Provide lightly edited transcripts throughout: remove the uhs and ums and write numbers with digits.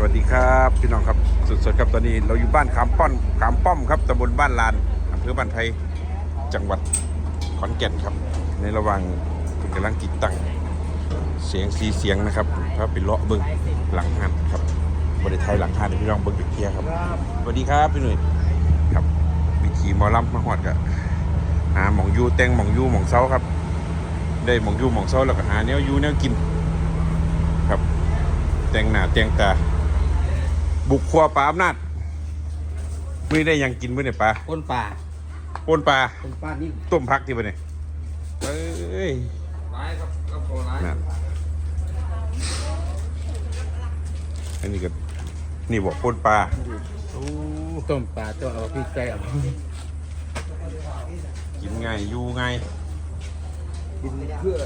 วัสดีครับพี่น้องครับสดๆครับตอนนี้เราอยู่บ้านขามป้อมครับตำบลบ้านลานอำเภอบ้านไผ่จังหวัดขอนแก่นครับในระหว่างกำลังติดตั้งเสียงนะครับพาไปเลาะเบิ้งหลังหันครับบริไทยหลังหันพี่น้องเบิ้งเกียร์ครับสวัสดีครับพี่หนุ่ยครับวิธีมอลำมาหอดกับหาหมองยูแตงหมองยูหมองเซาครับได้หมองยูหมองเซาแล้วก็หาแนวยูแนวกินครับแต่งหน้าแต่งตาบุกครัวปลาอำนาจไม่ได้ยังกินมื้อเนี่ยปลาปนป่าปนปลานี่ต้มพักที่บ่เนี่ยเอ้ยร้ายครับโคร้ายนั่นอันนี้ก็นี่บอกปนปลาต้มปลาตัวเอาพริกใส่เอากินง่ายอยู่ง่ายกินเพื่อ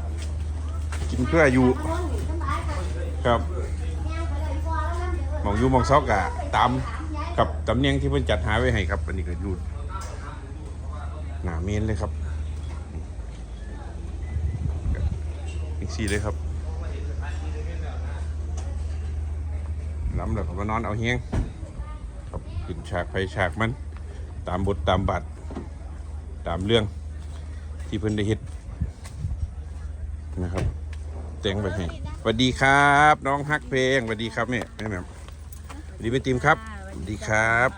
อยู่ครับหมองอยู่หมองซอกอะตามกับตำเนียงที่เพิ่นจัดหาไว้ให้ครับอันนี้ก็อยู่หน้าเมนเลยครับอีกสี่เลยครับล้ำแล้วก็มานอนเอาเฮียงครับขึ้นฉากไฟฉากมันตามบทตามบาทตามเรื่องที่เพิ่นได้เฮ็ดนะครับแต่งไปให้สวัสดีครับน้องฮักเพลงสวัสดีครับแม่สวัสดีแม่ติมครับสวัสดีครับ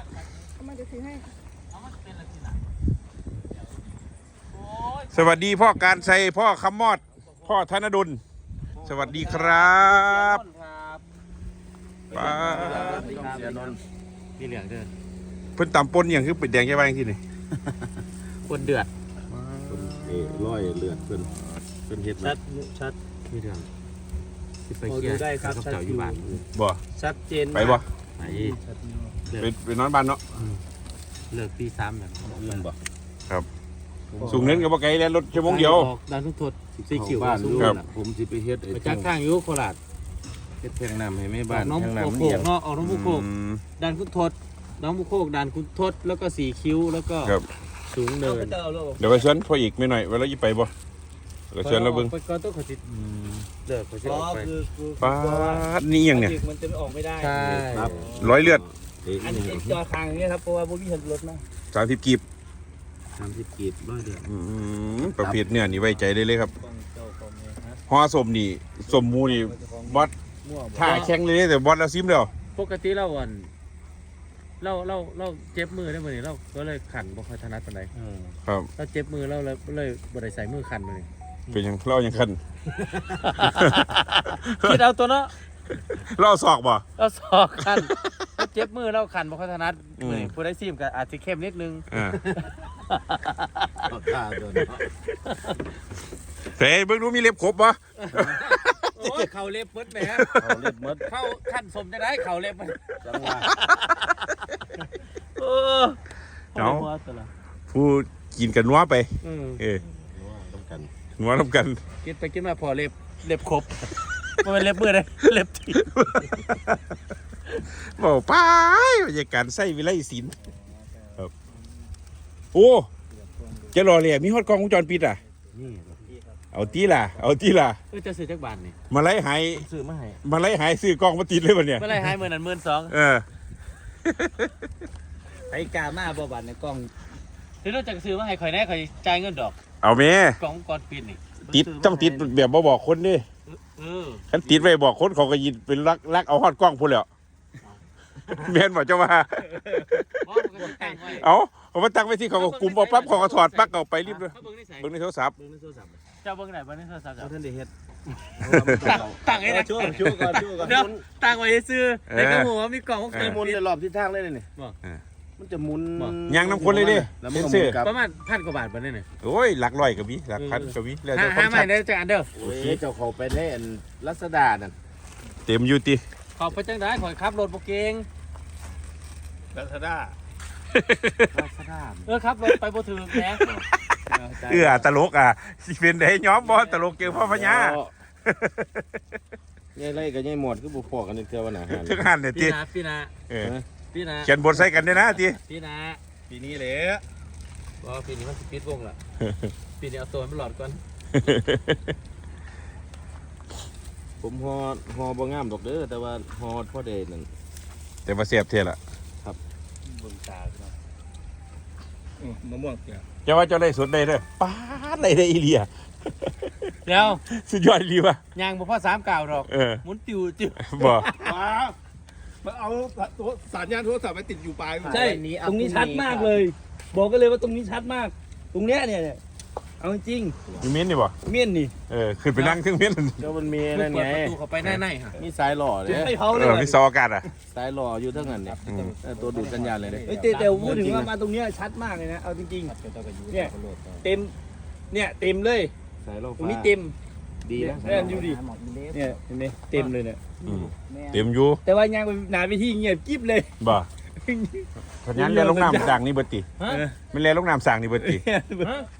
สวัสดีพ่อการชัยพ่อคำมอดพ่อธนดลสวัสดีครับป้าพี่เหลืองเด้อเพิ่นตำปนอย่างคือเป็ดแดงแค่บ้างที่นี่คนเดือดร้อยเลือดเพิ่นเฮ็ดชัดพี่เหลืองไปเกี่ยวได้ครับเจ้าอยู่บ้านบ่ชัดเจนไปบ่ไปนอนบ้านเนาะเลิกตี3แบบเงินบ่ครับสูงเน้นกับบ่ไกลแล้วรถชั่วโมงเดียวด่านทุกทดสีเขียวครับผมสิไปเฮ็ดไปจักข้างอยู่โคราชเฮ็ดแทงน้ำให้แม่บ้านแทงน้ำโคกเนาะออกน้องบุโคกด่านคุณทดน้องบุโคกด่านคุณทดแล้วก็สีคิ้วแล้วก็สูงเนินเดี๋ยวไปเชิญพ่ออีกไม่หน่อยเวลาจะไปบ่เราเชิญเราเบิ่งไปก็ต้องขอติดเลิกขอติดไปป้านี่ยังเนี่ยมันจะออกไม่ได้ใช่ครับร้อยเลือดอันนี้จอทางนี้ครับเพราะว่าพวกพี่เห็นรถนะ 30 กีบร้อยเดือนประเภทเนื้อนี่ไว้ใจได้เลยครับห่อสมนี่สมมูนี่บอสท่าแข็งเลยแต่บอสเราซิมเดียวปกติเราเจ็บมือได้เหมือนนี้เราก็เลยขันบ่ค่อยถนัดปานใดครับเราเจ็บมือเราเลยบ่ได้ใส่มือขันเลยเป็นยังเรายังขันคิดเอาตัวเนาะเราศอกบ่เราศอกขันเราเจ็บมือเราขันบ่ค่อยถนัดมือผู้ได้ซิมก็อาจจะเข้มนิดนึงเฮ้ยเบิ่งดูมีเล็บครบบ่โอ้ยเข่าเล็บมดแหมเขาเล็บมดเข้าขั้นสมจะได้เข่าเล็บมันจังหวะเนาะผู้กินกันนัวไปนัวทำกันกินไปกินมาพอเล็บครบมันเป็นเล็บมือเลยเล็บทีบอกไปบรรยากาศใส่วิไลศิลป์ครับโอ้จะรอเลยมีฮอดกล้องวงจรปิดอ่ะเอาตีล่ะจะซื้อจักบาทนี่มาไล่หายซื้อมาให้มาไล่หายซื้อกล้องมาติดเลยวันเนี้ยมาไล่หาย12,000 ไอ้กามาบ่บาทในกล้องเดี๋ยวเราจะซื้อมาให้ข่อยแน่ข่อยจ่ายเงินดอกเอาแม่กล้องก่อนปิดนี่ติดต้องติดแบบบ่บอกคนดิคันติดไว้บอกคนเขาก็ยินเป็นรักเอาฮอดกล้องพูดแล้วแม่นบอกเจ้าว่าเอามาตั้งไว้ที่เขาก็กลุ่มเอาปั๊บเขาก็ถอดปั๊กเอาไปรีบเลยเบิ่งในโทรศัพท์เจ้าเบิ่งไหนเบิ่งในโทรศัพท์ท่านได้เฮ็ดตั้งให้นะช่วยก่อนตั้งไว้ซื้อในกระหัวมีกล่องมันหมุนในรอบทิศทางเลยนี่มันจะหมุนยางน้ำคนเลยดิประมาณ1,000 กว่าบาทบ่ได้นี่โอ้ยหลักร้อยก็มีหลักพันก็มีแล้วจะ5ใหม่ได้จังอันเด้อโอ้ยเจ้าเขาไปได้อันรัศดานั่นเต็มอยู่ติขอไปจังได้ขอขับรถบ่เก่งรัศดาครับรถไปบ่ถึงแหมตลกอ่ะสิเป็นได้ย้อมบ่ตลกเกี่ยวพ่อพญาใหญ่ไรกับใหญ่หมดคือบุพอกันเทื่อวันไหนถึงหันเนี่ยทีพี่นาเขียนบทใส่กันเนี่ยนะทีพี่นาปีนี้เลยบ่ปีนี้มันสิปิดวงละปีนี้เอาตัวมันหลอดก่อนผมฮอบ่งามดอกเด้อแต่ว่าฮอพ่อเดนั่นแต่ว่าเสียบเท่าละเบิ่งตาพี่น้องมะม่วงเปียกเจ้าว่าเจ้าได้สดได้เด้อป้าดได้อีเลียเดี๋ยวสุดยอดอีหลีว่ะยางบ่พอ3 ก้าวดอกเออหมุนติวติวบ่ว้ามันเอาตัวสัญญาณโทรศัพท์ไปติดอยู่ปลายใช่ ตรงนี้ชัดมากเลย บอกกันเลยว่าตรงนี้ชัดมาก ตรงเนี้ยเนี่ยเอาจริงอยู่เม้นนี่บ่ๆเมี่ยนนี่เออขึ้นไปนั่งเครื่องเม้นก็มันมีเปินั่ดนปไงระตูเข้าไปในฮะมีสายหล่อเลยไม่เผาเอเลยอว่ะมีซออากาศอ่ะสายหล่ออยู่ทั้งนั้นเนี่ยอืมตัวดูดสัญญาณเลยเด้เฮ้ยแต่พูดถึงว่ามาตรงเนี้ยชัดมากเลยนะ เอาจริงๆ เนี่ย เต็ม เนี่ยเต็มเลยสายหล่อตรงนี้เต็มดีนะเนี่ยดูดิ เนี่ยเห็นไหมเต็มเลยเนี่ยอืมเต็มอยู่แต่ว่ายังไปหนาไปที่เงียบกิ๊บเลยบ่เพราะงั้นเรียนลงน้ำสั่งนี่เบิดติฮะไม่เรียนลงน้ำสั่งนี่เบิดติฮะ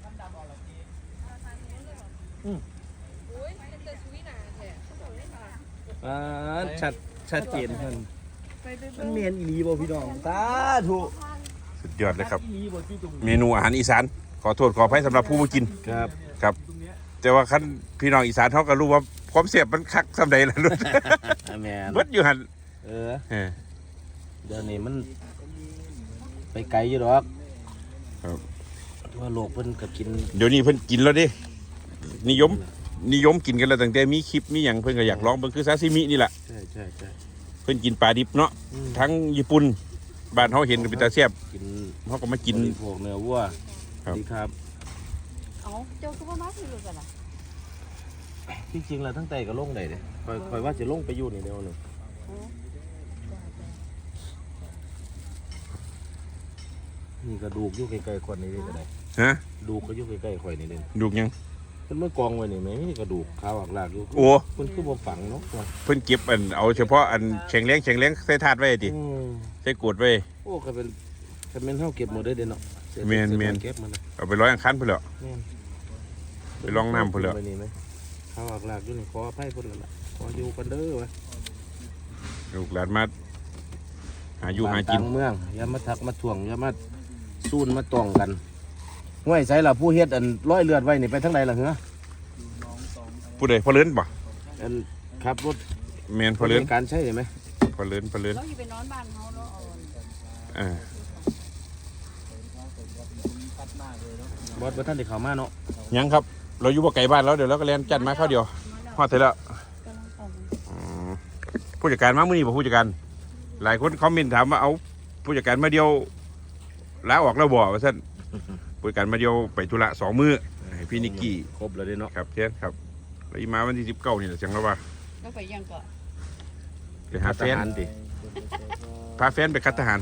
อ่าชัดเจนมันเมียนอีหลีบ่พี่น้องสาธุสุดยอดเลยครับอีหลีบ่ที่ตรงเมนูอาหารอีสานขอโทษขออภัยสำหรับผู้มากินครับครับ แต่ว่าคันพี่น้องอีสานเขาก็รู้ว่าความเสียบมันคักสำใดล่ะลูกแมนเบิดอยู่หั่นเออเออเดี๋ยวนี้มันไปไกลอยู่ดอกครับว่าโลกเพิ่นก็กินเดี๋ยวนี้เพิ่นกินแล้วเดินิยมกินกันแล้วตั้งแต่มีคลิปมีหยังเพิ่นก็อยากลองเบิ่งคือซาซิมินี่แหละใช่ใช่ใช่เพิ่นกินปลาดิบเนาะทั้งญี่ปุ่นบ้านเฮาเห็นก็เป็นตาแซ่บกินเฮาก็มากินบริโภคเนื้อวัวครับดีครับเอาเจ้าก็ว่ามาคือรู้กันล่ะที่จริงแล้วทั้งไตก็ลงได้เด้คอยว่าจะลงไปอยู่นี่เดียวหนึงนี่กระดูกอยู่ใกล้ๆคนนี้ก็ได้ฮะดูกก็อยู่ใกล้ๆข่อยนี่เลยดูกยังเพิ่นเมื่อกองไว้นี่แม่มีกระดูกขาวอักลากอยู่โอ้เพิ่นคือบ่ฝังเนาะเพิ่นเก็บอันเอาเฉพาะอันแข็งแรงใส่ถาดไว้ติอืมใส่กรวดไว้โอ้ก็เป็นเฮาเก็บหมดได้เด้เนาะเสียแม่นเสียแม่นเก็บมันนะเอาไปร้อยอังคันพุ่นแล้วแม่นไปลองน้ำพุ่นแล้วไปนี่ไหมขาวอักลากอยู่นี่ขออภัยพุ่นแล้วล่ะขออยู่กันเด้อวะลูกหลานมาหาอยู่หากินบ้ต่งเมืองอย่ามาทักมาถ่วงอย่ามาซูนมาต้องกันห้วยไสล่ะผู้เฮ็ดอันร้อยเลือดไว้นี่ไปทางใดล่ะเหรอผู้ใดพอเลินบ่อันขับรถแม่นพอเลินการใช่ไหมพอเลินเราอยู่ไปนอนบ้านเขาเนาะเอาอ่าบอสบ่ท่านได้เข้ามาเนาะยังครับ เราอยู่บ่ไกลบ้านแล้วเดี๋ยวเราก็แล่นจัดมาเข้าวเดียวฮอดเสร็จแล้วกำลังออกอืมผู้จัดการมามื้อนี้บ่ผู้จัดการหลายคนคอมเมนต์ถามว่าเอาผู้จัดการมาเดียวลาออกแล้วบ่ว่าซั่นผู้จัดการมาเดียวไปธุระ2 มื้อให้พี่นิกกี้ครบแล้วเด้เนาะครับเช่นครับแล้วอีมาวันที่19นี่แหละจังแล้วว่าแล้วไปยังก็ไปหาแฟนทหารติพาแฟนไปคัดทหาร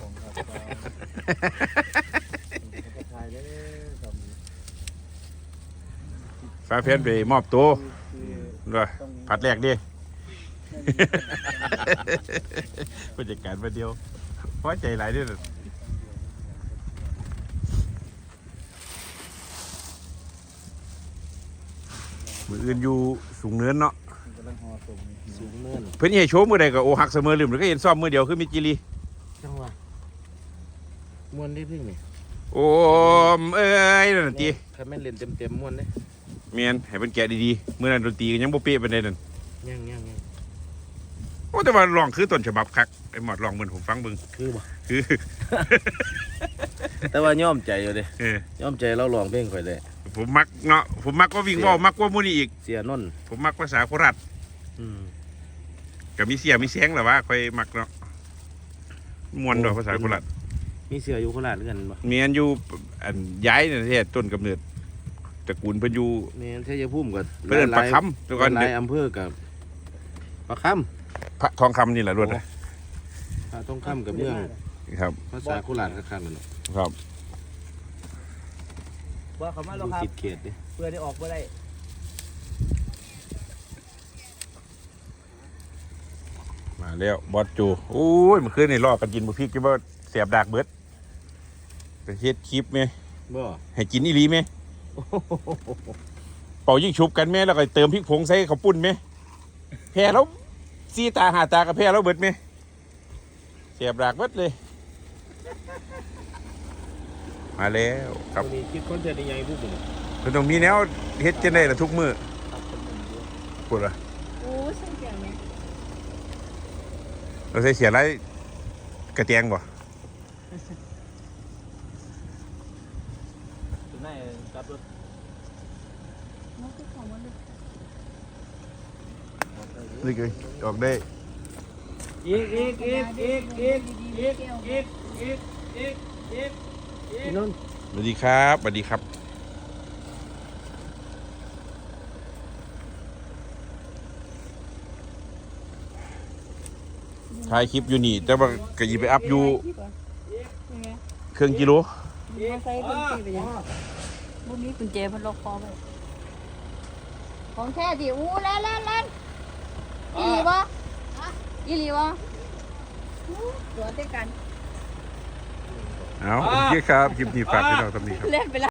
พาแฟนไปมอบตัวด้วยผัดแรกดิ ผู้จัดการมาเดียวเพราะใจหลายเด้วยมืออื่นอยู่สูงเนินเนาะสูงเนินเพื่อนให้โชว์มือใดก็โอหักเสมอลืมหรือก็เห็นซ้อมมือเดียวคือมิจิลีจังหวะม่วนได้เพิ่งนี่โอ้มเอ้ยนั่นนะตีถ้าแม่นเล่นเต็มๆม่วนเด้เมียนให้เป็นแกะดีๆเมื่อนั้นดนตรีก็ยังบ่เป๊ะปานใดนั่นยังโอ้แต่ว่าลองคือต้นฉบับคักไอ้หมอดลองเหมือนผมฟังเบิ่งคือบ่คือแต่ว่าย่อมใจอยู่เด้เออย่อมใจเราร้องเพลงข่อยได้ผมมักเนาะผมมักว่าวิ่งว่าวมักว่ามูนี่อีกเสียนนท์ผมมักภาษาโคราชอืมกับมีเสียมีแสงแหละว่าค่อยมักเนาะมวนดอกภาษาโคราชมีเสืออยู่โคราชเหมือนกันบ่เมียนอยู่อันย้ายเนี่ยแท้ต้นกำเนิดตระกูลเพิ่นอยู่แม่นชัยภูมิก็เพิ่นเอิ้นปลาคำแต่ก่อนหลายอำเภอกับปลาคพระทองคำนี่แหละรวดนะำปลาต้องคำกับเมืองครับภาษาโคราชคักๆนั่นเนาะครับว่าเขามาอแล้วยู่ครับคิดเขตดิเพื่อได้ออกบ่ได้มาแล้วบอสจูโอ้ยมันขึ้นในรอบกันกินบุพริกกี่บ่เสียบดากเบิดไปเฮ็ดคลิปไหมบ่ให้กินอีหลีไหมเป่ายิ่งชุบกันไหมแล้วก็เติมพริกผงใส่ข้าวปุ้นไหมแพ้แล้วซีตาหาตากับแพ้แล้วเบิดไหมเสียบดากเบิดเลย มาแล้วครับวันนี้คิดคอนเทนต์ใหญ่ๆปุ๊บนี่คือต้องมีแนวเฮ็ดจังได๋ล่ะทุกมื้อพูดล่ะโอ้ยใส่เกียงไหมเราใส่เสียไรกระเตียงบ่ถึงได้ครับรถมันคือของมันเลยนี่คือออกได้อีกพี่นนท์สวัสดีครับสวัสดีครับถ่ายคลิปอยู่นี่แต่ว่าก็ยิไปอัพอยู่ยังไงเครื่องกิโลมาใส่กุญแจไปยังบุมีกุญแจพันล็อกคอไปของแท้ดิอู้เล่นอีหลีวะอีหลีวะตัวเต้กันเอาโอเคครับคลิปนี้ฝากพี่น้องตำนี้ครับเล่นไปละ